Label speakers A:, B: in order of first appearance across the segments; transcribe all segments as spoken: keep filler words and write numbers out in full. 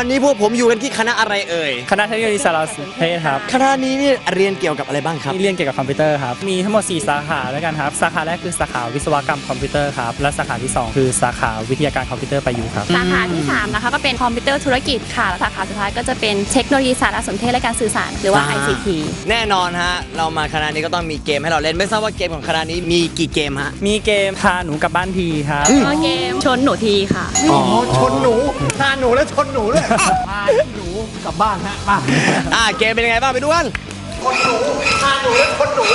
A: อนนี้พวกผมอยู่กันที่คณะอะไรเอ่ย
B: คณะเทคโนโลยีสารสนเทศครับ
A: คณะนี้นี่เรียนเกี่ยวกับอะไรบ้างครับ
B: เรียนเกี่ยวกับคอมพิวเตอร์ครับมีทั้งหมดสี่สาขาด้วยกันครับสาขาแรกคือสาขาวิศวกรรมคอมพิวเตอร์ครับและสาขาที่สองคือสาขาวิทยาการคอมพิวเตอร์ประยุกต์ครับ
C: สาขาที่สามนะคะก็เป็นคอมพิวเตอร์ธุรกิจค่ะและสาขาสุดท้ายก็จะเป็นเทคโนโลยีสารสนเทศและการสื่อสารหรือว่า ไอ ซี ที
A: แน่นอนฮะเรามาคณะนี้ก็ต้องมีเกมให้เราเล่นไม่ทราบว่าเกมของคณะนี้มีกี่เกมฮะ
B: มีเกมพาหนูกลับบ้านทีครับ
C: เกมชนหนูทีค่ะ
A: อ๋อชนหนูพาหนูและชนหนูด้วย
B: พาหนูกลับบ้านฮะมา
A: อ่าเกมเป็นยังไงบ้างไปดูกันชนหนูพาหนูและชนหนู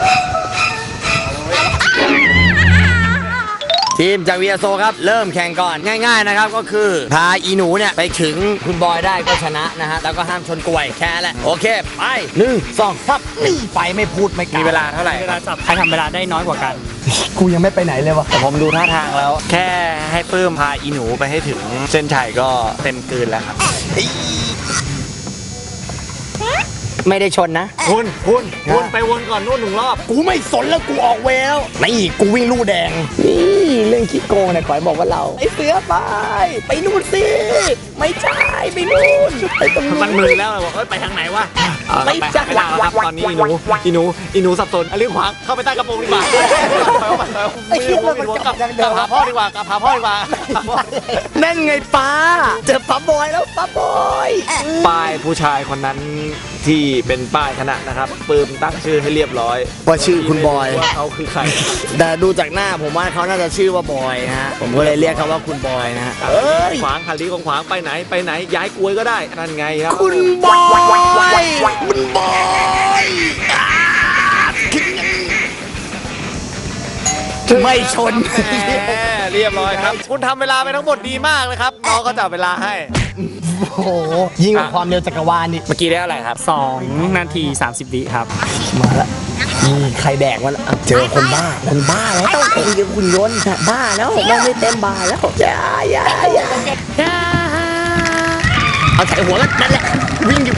A: ทีมจากวีอาโซครับเริ่มแข่งก่อนง่ายๆนะครับก็คือพาอีหนูเนี่ยไปถึงคุณบอยได้ก็ชนะนะฮะแล้วก็ห้ามชนกล้วยแค่แหละโอเคไปหนึ่งสองสามนี่ไปไม่พูดไม่กล่าว
B: มีเวลาเท่าไหร่เวลาจับใครทำเวลาได้น้อยกว่ากัน
A: กูยังไม่ไปไหนเลยวะ
D: แต่ผมดูท่าทางแล้วแค่ให้ปื้มพาอีหนูไปให้ถึงเส้นชัยก็เต็มกืนแล้วครับ
A: ไม่ได้ชนนะ
D: คุณคุณคุณไปวนก่อนนู่นหนึ่งรอบ
A: กูไม่สนแล้วกูออกเวลนี่กูวิ่งลู่แดงนี่เรื่องขี้โกงเนี่ยขอยบอกว่าเราไอ้เสือไปไปนู่นสิไม่ใช่ไปนู่นไปตรงนู้น
D: มันมึนแล้วบอกเอ้ยไปทางไหนวะไม่ใช่แล้วครับตอนนี้อีหนูอีหนูอีหนูสับสนเรื่องขวางเข้าไปใต้กระโปรงดีกว่า
A: ไอ้เหี้ยมันกลับ
D: กลับหาพ่อดีกว่ากลับหาพ่อดีกว่า
A: นั่นไงป้าเจอป้าบอยแล้วป้าบอย
D: ป้ายผู้ชายคนนั้นที่เป็นป้ายคณะนะครับปืมตั้งชื่อให้เรียบร้อย
A: ว่าชื่อคุณบอย
D: ว่าเขาคือใคร
A: แต่ดูจากหน้าผมว่าเขาน่าจะชื่อว่าบอยฮะผมก็เลยเรียกเขาว่าคุณบอยนะฮะเอ้ย
D: ขวางขันลีของขวางไปไหนไปไหนย้ายกลวยก็ได้นั่นไงครับ
A: คุณบอยคุณบอยไม่ชน
D: เรียบร้อยครับคุณทำเวลาไปทั้งหมดดีมากเลยครับน้องก็จับเวลาให้
A: โอ้โหยิ่งกว่าความเร็วจักรวาลนี่
D: เมื่อกี้ได้อะไรครับ
B: สองนาทีสามสิบวิครับ
A: มาแล้วใครแดกวะเจอคนบ้าคนบ้าแล้วต้องเป็นเดี๋ยวคุณยนต์บ้าแล้วเราไม่เต็มบาแล้วอย่าอย่าอย่าเอาใส่หัวกันนั่นแหละวิ่งอยู่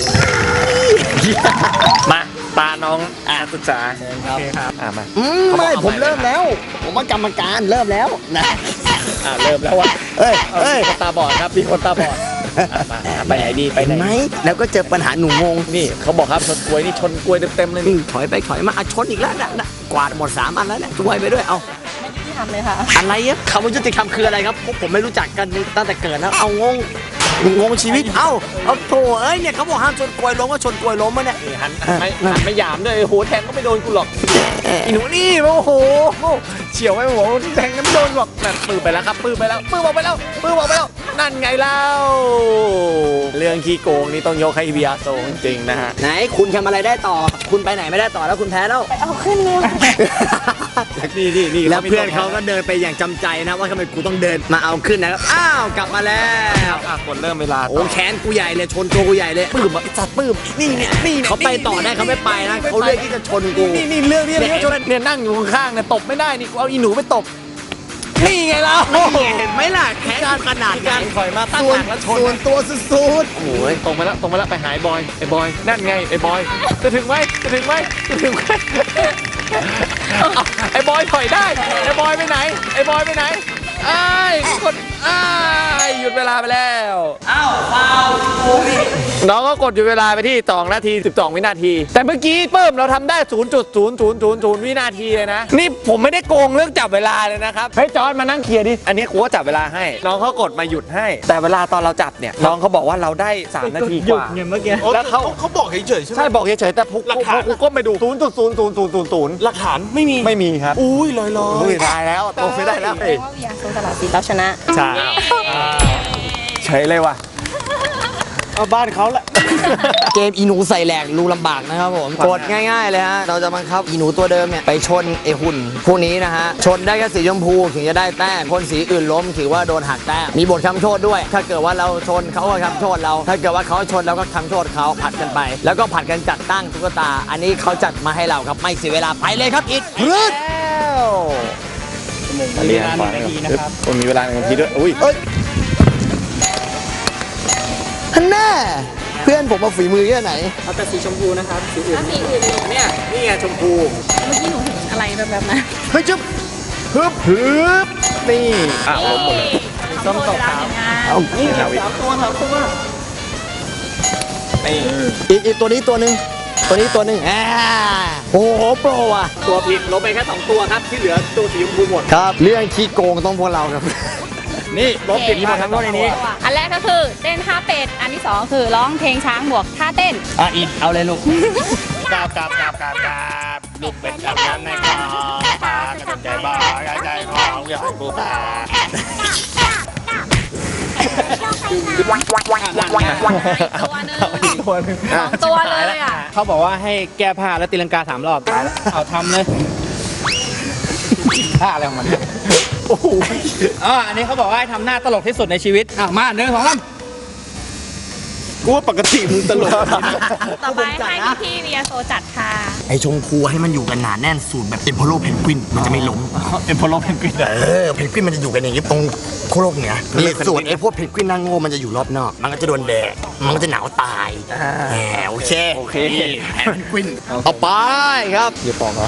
D: มาตาน้องอ่านศึกษา
B: โอเคครับ
D: อ่ามา
A: ไม่ผมเริ่มแล้วผมว่ากรรมการเริ่มแล้วนะ
D: อ่าเริ่มแล้ววะ
A: เอ้ยเอ้ย
D: คนตาบอดครับมีคนตาบอดไปไหนดีไปไหน
A: ไหมแล้วก็เจอปัญหาหนูงง
D: นี่เขาบอกครับชนกล้วยนี่ชนกล้วยเต็มๆเลยนี่
A: ถอยไปถอยมาชนอีกแล้วนะกวาดหมดสามอันแล้วเนี่ยช่วยไปด้วยเอา
C: ไม่ทำเลยค่ะ
A: อะไรอะคำว่ายุติธรรมคืออะไรครับพวกผมไม่รู้จักกันตั้งแต่เกิดแล้วเอางงงงชีวิตเอ้าเอาโถเอ้ยเนี่ยเขาบอกห้ามชนกล้วยล้มก็ชนกล้วยล้มมาเนี่ย
D: หันไม่หันไม่หยามด้วยโหแทงก็ไม่โดนกูหรอกอีหนูนี่โอ้โหเฉียวไม่โหแทงก็ไม่โดนหรอกนั่นปื้มไปแล้วครับปื้มไปแล้วปื้มออกไปแล้วปื้มออกไปแล้วนั่นไงเล่าเรื่องขี้โกงนี่ต้องยกให้เบียร์โซจริงๆนะฮะ
A: ไหนคุณทำอะไรได้ต่อคุณไปไหนไม่ได้ต่อแล้วคุณแพ้แล้ว
C: ไปเอาขึ้นเลย
D: นี่นี่นี่
A: แล้วเพื่อนเขาก็เดินไปอย่างจำใจนะว่าทำไมกูต้องเดินมาเอาขึ้นนะครับอ้าวกลับมาแล้ว
D: กดเริ่มเวลา
A: โอ้แขนกูใหญ่เลยชนตัวกูใหญ่เลยปื้มอ่ะจัดปื้มนี่เนี่ยนี่เขาไปต่อได้เขาไม่ไปนะเขาเลือกที่จะชนกู
D: นี่นี่เรื่องนี้เรื่องชนเนี่ยนั่งอยู่ข้างๆเนี่ยตบไม่ได้นี่กูเอาอีหนูไปตบนี่ไงล่ะ
A: เห็นไหมล่ะแขนขนาด
D: การถอยมาตั้งหลักแล้วชน
A: ส่วนตัวสุดๆ
D: โอ้ยตรงไปแล้วตรงไปแล้วไปหายบอยไอ้บอยนั่นไงไอ้บอยจะถึงไหมจะถึงไหมจะถึงไหมไอ้บอยถอยได้ไอ้บอยไปไหนไอ้บอยไปไหนไอ้คนไอ้หยุดเวลาไปแล้ว
A: อ้าวฟาว
D: น้องก็กดหยุดเวลาไปที่สองนาทีสิบสองวินาทีแต่เมื่อกี้เพิ่มเราทำได้ ศูนย์จุดศูนย์ศูนย์ศูนย์ศูนย์ วินาทีเลยนะนี่ผมไม่ได้โกงเรื่องจับเวลาเลยนะครับเฮ้ยจอร์จมานั่งเคลียร์ดิอันนี้กูก็จับเวลาให้น้องเขากดมาหยุดให้แต่เวลาตอนเราจับเนี่ยน้องเขาบอกว่าเราได้สามนาทีกว่า
B: เมื่อกี้
D: แล้วเขา
E: เขาบอกเฉยๆใช่ไหม
D: ใช่บอกเฉยๆแต่พวกกูก้มไปดู ศูนย์จุดศูนย์ศูนย์ศูนย์ศูนย์
E: หลักฐานไม่มี
D: ไม่มีครับ
E: อุ้ยลอยๆ
D: อุ้ยตายแล้วโตไม่ได้แล้ว
C: ว่าวิยาโซตลาดสีเราชนะ
D: ใช่เฉยเลยว่ะ
E: เอาบ้านเขาแหละ
A: เกมอีหนูใส่แหลกรูลำบากนะครับผมกดง่ายๆเลยฮะเราจะบังคับอีหนูตัวเดิมเนี่ยไปชนไอหุ่นพวกนี้นะฮะชนได้แค่สีชมพูถึงจะได้แต้มคนสีอื่นล้มถือว่าโดนหักแต้มมีบทคำโทษด้วยถ้าเกิดว่าเราชนเขาก็คำโทษเราถ้าเกิดว่าเขาชนเราก็คำโทษเขาผัดกันไปแล้วก็ผัดกันจัดตั้งตุ๊กตาอันนี้เขาจัดมาให้เราครับไม่เสียเวลาไปเลยครับอิดพืด
B: มีเวลาหนึ่งนาทีนะครับ
D: มีเวลาหนึ่งนาทีด้วยอุ้ย
A: ท่านแน่เพื่อนผมมาฝีมือแค่ไหน
B: เอาแต่สีชมพูนะครับสีอื่น
C: สีอื่น
D: เนี่ยนี่ไงชมพู
C: เมื่อกี้หนูเห็นอะไรแบบแบบนั้น
A: เฮ้ยจุ๊บฮึบฮึบนี่
D: อ่ะลงหมดเลย
B: ส้มตกครับ
A: เอานี่สามตัวสามตัวอีกอีกตัวนี้ตัวหนึ่งตัวนี้ตัวหนึ่งอ่าโอ้โหโปรว่ะ
D: ตัวผิดลบไปแค่สองตัวครับที่เหลือตัวสีชมพูหมด
A: ครับเรื่องขี้โกงต้องพวกเราครับ
D: นี่ลบผิดที่หมดทั้งตัวในนี้
C: อันแรกก็คือเต้นท่าเป็ด อันที่สองคือร้องเพลงช้างบวกท่าเต้น
A: อ่ะอีกเอาเลยลูก
D: กราบกราบกราบกราบกราบลูกเป็ดอาบน้ำในคลองปลากระใจบ้ากระใจของใหญ่ปูปลา
C: ตัวหนึงสองตัวเลยอ่ะ
E: เขาบอกว่าให้แก้ผ้าแล้วตีลังกาสามรอบตายแล้วเอาทำเลยผ้าอะไรของมันโอ้โหอ๋ออันนี้เขาบอกว่าให้ทำหน้าตลกที่สุดในชีวิตอ่ะมาหนึ่งสองสามกูว่าปกติมึงตลก
C: ต่อไปให้พี่พี่เวียโซจัดค่ะ
A: ไอชงพูให้มันอยู่กันหนาแน่นสูตรแบบเป็นโพโลเพนกวินมันจะไม่ล้ม
E: เป็นโพโลเพนกวิน
A: เออเพนกวินมันจะอยู่กันอย่างนี้ตรงโคโลกเหนือนี่ส่วนไอพวกเพนกวินนางโง่มันจะอยู่รอบนอก มันก็จะโดนแดดมันก็จะหนาวตายแหมโอเค
E: โอเค
A: แผนเพนกวินเอาไปครับ
E: อย่าปอกเหรอ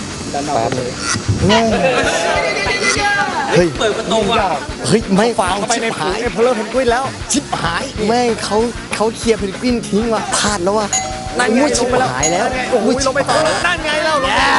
A: เฮ้ยเปิดประตูอ่ะเฮ้ยไม่ฟังไปในหาย
E: โพโลเพนกวินแล้ว
A: ชิบหายแม่งเขาเขาเคลียร์เพนกวินทิ้งว่ะพลาดแล้วว่ะนั่นไงชิบหายแล้วโอ้ยลงไปต่อนั่นไงแล้ว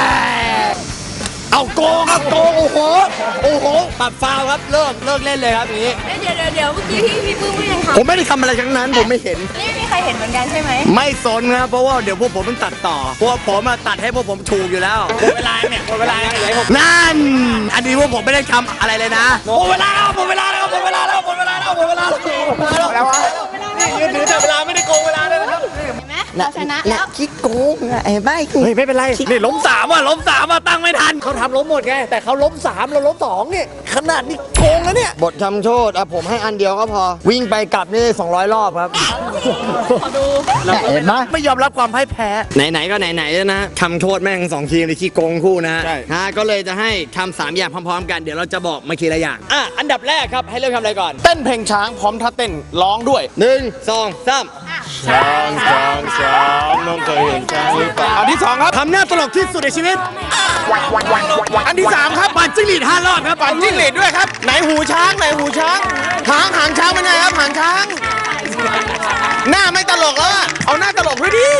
A: เอาโกงครับโกงโอ้โหโอ้โหปรับฟาวครับเลิกเลิกเล่นเลยครับอย่างนี้
C: เดี๋ยวเดี๋ยวเดี๋ยวเมื่อกี้พี่พี่ปื้มไม่ยัง
A: ผมไม่ได้ทำอะไรทั้งนั้นผมไม่เห็น
C: นี่ไม่มีใครเห็นเหมือนกันใช่ไหม
A: ไม่สนครับเพราะว่าเดี๋ยวพวกผมมันตัดต่อเพราะว่าผมมาตัดให้พวกผมถูกอยู่แล้ว
D: หมดเวลาเนี่ยหมดเวลาไหนผม
A: นั่นอันนี้พวกผมไม่ได้ทำอะไรเลยนะ
D: หมดเวลาแล้วหมดเวลาแล้วหมดเวลาแล้วหมดเวลาแล้วหมดเวลาแล้วแล้ววะยืนถือแต่เวลาไม่ได้โกงเวลาเลยนะครับ
C: เห็นไหมเราชนะแล้ว
A: คิดโกงอะไอ้ใบ
D: เฮ้ยไม่เป็นไรนี่ล้มสามอ่ะล้มสามอ่ะตั้งไม่ทันเขาทำล้มหมดไงแต่เขาล้มสามเราล้มสองเนี่ยขนาดนี้โกงแล้วเนี่ย
A: บททำโทษอะผมให้อันเดียวก็พอ วิ่งไปกลับนี่สองร้อยรอบครับ
C: ขอดู
A: เห็นไหม
D: ไม่ยอมรับความพ่ายแพ้
A: ไหนๆก็ไหนๆแล้วนะทำโทษแม่งสองทีมในขี้โกงคู่นะ
D: ใช่
A: ฮะก็เลยจะให้ทำสามอย่างพร้อมๆกันเดี๋ยวเราจะบอกมาทีละอย่างอ่ะอันดับแรกครับให้เริ่มทำอะไรก่อน
E: เต้นเพลงช้างพร้อมท่าเต้นร้องด้วย
A: หนึ่งสองสาม
E: ช้างช้างช้างน้องเคยเห็นช้างหรือเปล่าอันที่สองครับ
A: ทำหน้าตลกที่สุดในชีวิต
E: อันที่สามครับ
A: ปั่นจิ้งหรีดห้ารอบครับ
E: ปั่นจิ้งหรีดด้วยครับไหนหูช้างไหนหูช้างหางหางช้างเป็นไงครับหางช้าง หน้าไม่ตลกแล้วอะเอาหน้าตลกด้วยดิ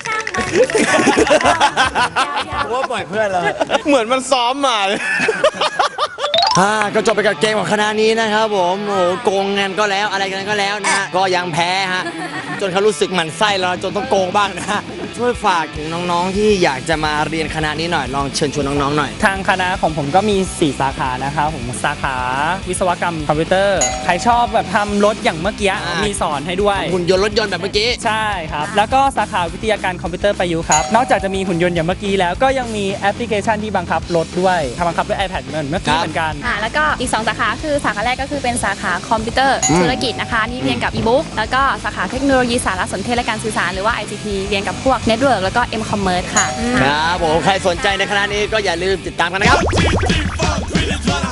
A: ว่าปล่อยเพื่อนเรา
E: เหมือนมันซ้อมมาเลย
A: อ่าก็จบไปกับเกมของคณะนี้นะครับผมโอ้โหโกงกันก็แล้วอะไรกันก็แล้วนะฮะก็ยังแพ้ฮะจนเขารู้สึกหมั่นไส้แล้วจนต้องโกงบ้างนะฮะช่วยฝากถึงน้องๆที่อยากจะมาเรียนคณะนี้หน่อยลองเชิญชวนน้องๆหน่อย
B: ทางคณะของผมก็มีสี่สาขานะครับผมสาขาวิศวกรรมคอมพิวเตอร์ ใครชอบแบบทำรถอย่างเมื่อกี้
A: อ่ามี
B: มีสอนให้ด้วย
A: หุ่นยนต์รถยนต์แบบเมื่อกี้
B: ใช่ครับ แล้วก็สาขาวิทยาการคอมพิวเตอร์ประยุกต์ครับ นอกจากจะมีหุ่นยนต์อย่างเมื่อกี้แล้วก็ยังมีแอปพลิเคชันที่บังคับรถด้วยทำบังคับด้วย iPad เหมือนเมื่อกี้
A: ครับ
B: เหมือนกัน
C: ค่ะแล้วก็อีกสองสาขาคือสาขาแรกก็คือเป็นสาขาคอมพิวเตอร์ธุรกิจนะคะนี่เรียนกับ e-book แล้วก็สาขาเทคโนโลยีสารสนเทศและการสื่อสารหรือว่า ไอ ซี ที เรียนกับพวก Network แล้วก็ M-Commerce ค่ะ
A: ครับผมใครสนใจในคณะนี้ก็อย่าลืมติดตามกันนะครับ